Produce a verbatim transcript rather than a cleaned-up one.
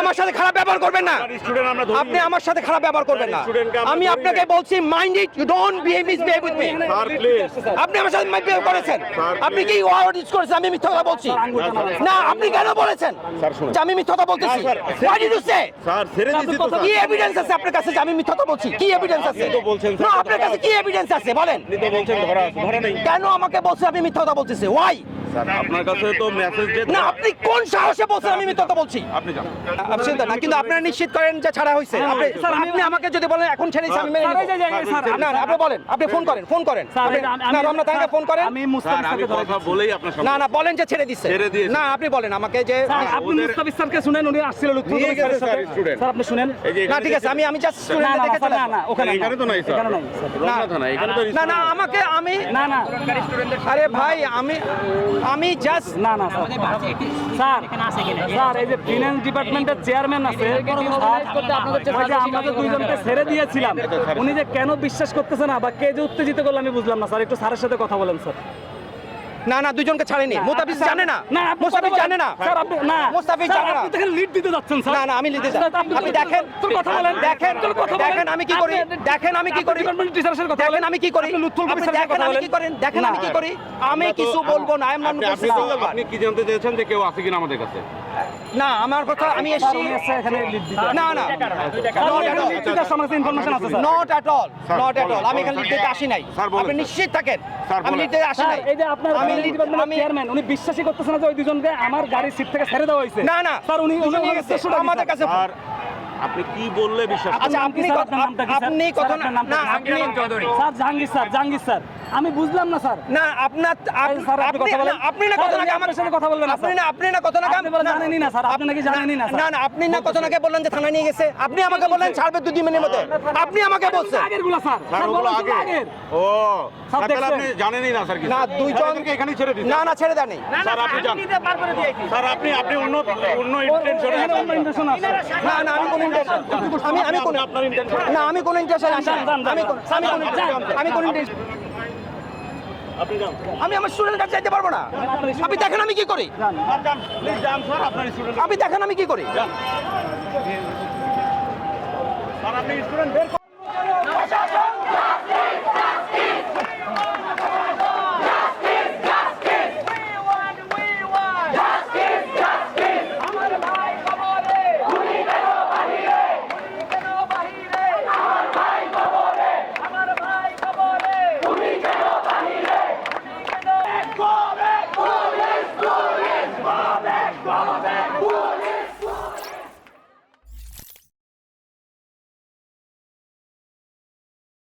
আমার সাথে খারাপ ব্যবহার করবেন না, আপনি আমার সাথে খারাপ ব্যবহার করবেন না। আমি আপনাকে বলছি mind it, you don't behave misbehave with me. আপনি আমার সাথে মিসবিহেভ করেছেন, আপনি কি ওয়ার্ড ইউজ করেছেন আমি মিথ্যা কথা বলছি? না, আপনি কেন বলেছেন যে আমি মিথ্যা কথা বলতেছি? What did you say? Sir ছেড়ে দিছি তো। কি এভিডেন্স আছে আপনার কাছে যে আমি মিথ্যা কথা বলছি? কি এভিডেন্স আছে? না, আপনার কাছে কি এভিডেন্স আছে বলেন? আপনি তো বলছেন ধরা আছে, ধরা নেই। কেন আমাকে বলছেন আমি মিথ্যা কথা বলতেছি? ওয়াই? স্যার আপনার কাছে তো মেসেজ যে না, আপনি কোন সাহসে বলছেন আমি মিথ্যা কথা বলছি? আপনি জান আপনি চিন্তা না, কিন্তু আপনারা নিশ্চিত করেন যে ছাড়া হয়েছে। আপনি আপনি আমাকে যদি বলেন এখন ছেড়েছি আমি মেনে নিব। না না, আপনি বলেন, আপনি ফোন করেন, ফোন করেন। না, রমনা থানায় ফোন করেন। আমি স্যার মুস্তাফিজ আমি স্যারকে কথা বলেই আপনার সামনে না না, বলেন যে ছেড়ে দিছে। ছেড়ে দিয়েছে। না, আপনি বলেন আমাকে যে স্যার আপনি মুস্তাফিজ স্যারকে শুনেন, উনি আসছিল লুৎফুল নিয়ে গেছে স্যারের সাথে। Sir, student. স্যার আপনি শুনেন। এই যে না, ঠিক আছে, আমি আমি জাস্ট না স্টুডেন্ট না দেখে চলে না না ওখানে না। এখানে তো নাই স্যার। এখানে নাই স্যার। রমনা থানা এখানে তো না না, আমাকে আমি না না আরে ভাই আমি আমি জাস্ট না না স্যার স্যার স্যার এই যে ফিনান্স ডিপার্টমেন্টের চেয়ারম্যান আছে স্যার, ওই যে আমরা তো দুইজনকে ছেড়ে দিয়েছিলাম, উনি যে কেন বিশ্বাস করতেছে না বা কে যে উত্তেজিত করলো আমি বুঝলাম না স্যার। একটু স্যারের সাথে কথা বলেন স্যার। না না, দুজনকে ছাড়েনি। মুস্তাফিজ জানে না, না আপনি মুস্তাফিজ কথা জানে না, বলেন। স্যার আপনি না মুস্তাফিজ স্যার, জানে না। আপনি তো এখানে লিড দিতে যাচ্ছেন স্যার। না না, আমি লিখতে চাই। স্যার, আপনি আপনি তো- দেখেন, তোর কথা বলেন, দেখেন, তোর কথা বলেন। দেখেন আমি কি করি, আপনি- দেখেন আমি কি আপনি করি, ডিপার্টমেন্ট টিচারের সাথে কথা দেখেন বলেন। আমি কি করি, আপনি লুৎফুল আপনি কবির সাথে দেখেন কথা আমি বলেন। কি করেন, দেখেন না। আমি কি করি। আমি কিছু বলবো না, আই এম নট আপনি আপনি তো আপনি কি জানতে চেয়েছেন যে কেউ আছে কিনা আমাদের কাছে? না, আমার কথা আমি স্যার, এসেছি। উনি এসে এখানে লিড দিতে। না না, স্যার, not উনি at এখানে all. লিড দিতে আসছে, আমার কাছে ইনফরমেশন আছে sir. Not at all, sir, not at বলেন, অল। আমি এখানে স্যার, লিখতে আসি নাই। স্যার, বলেন, আপনি স্যার। নিশ্চিত থাকেন স্যার, আমি বলেন। লিখতে আসি স্যার, নাই। এই যে আপনার আমি ফিনান্স ডিপার্টমেন্টের আমি চেয়ারম্যান, উনি বিশ্বাসই করতেছেন না যে ওই দুজনকে আমার গাড়ির সিট থেকে ছেড়ে দেওয়া হয়েছে। না না স্যার উনি উনি নিয়ে নিয়ে গেছে গেছে আমাদের কাছে। স্যার আপনি কি বললে বিশ্বাস করবেন? আচ্ছা, নাম কি আপনি স্যার? কথা- আপনার নামটা কি স্যার? আপনি স্যার, কথা আপনার না নামটা না, কি? আপনি sir Jahangir sir, Jahangir sir, আমি বুঝলাম না স্যার। না আপনার আপ- স্যার, আপনি আপনি কথা বলেন। না, আপনি না স্যার, কথা উনি নাকি আপনার আমার সাথে কথা বলবেন না, আপনি স্যার। না আপনি না কথা নাকি আপনি বলে জানেনই না, স্যার। আপনি নাকি জানেনই না, স্যার। না না, আপনি না কথা নাকি বললেন যে থানায় নিয়ে গেছে। আপনি আমাকে বললেন ছাড়বে দুই দিনের মধ্যে। আপনি আমাকে বলছেন আগের গুলা স্যার। স্যার স্যার ওগুলো বলেন আগে। আগের। ও স্যার, স্যার, তাহলে আপনি দেখছেন? জানেনই না স্যার কিছু? না, দুইজন এদেরকে এখানেই ছেড়ে দিন। না না, ছেড়ে দেননি। স্যার আপনি যান। স্যার আপনি আপনি অন্য অন্য ইন্টেনশনে এখানে অন্য intention আছে। না না, আমি কোন ইন্টেনশন আমি আমি কোন আপনার ইন্টেনশন না আমি কোন ইন্টেনশন আসি যান, যান, যান। আমি কোন আমি কোন আমি কোন intention- আপনি যান আমি আমার স্টুডেন্ট কাছে যাইতে পারবো না। আপনি দেখেন আমি কি করি, যান প্লিজ যান স্যার আপনার স্টুডেন্ট আপনি দেখেন আমি কি করি। স্যার আপনি স্টুডেন্ট বের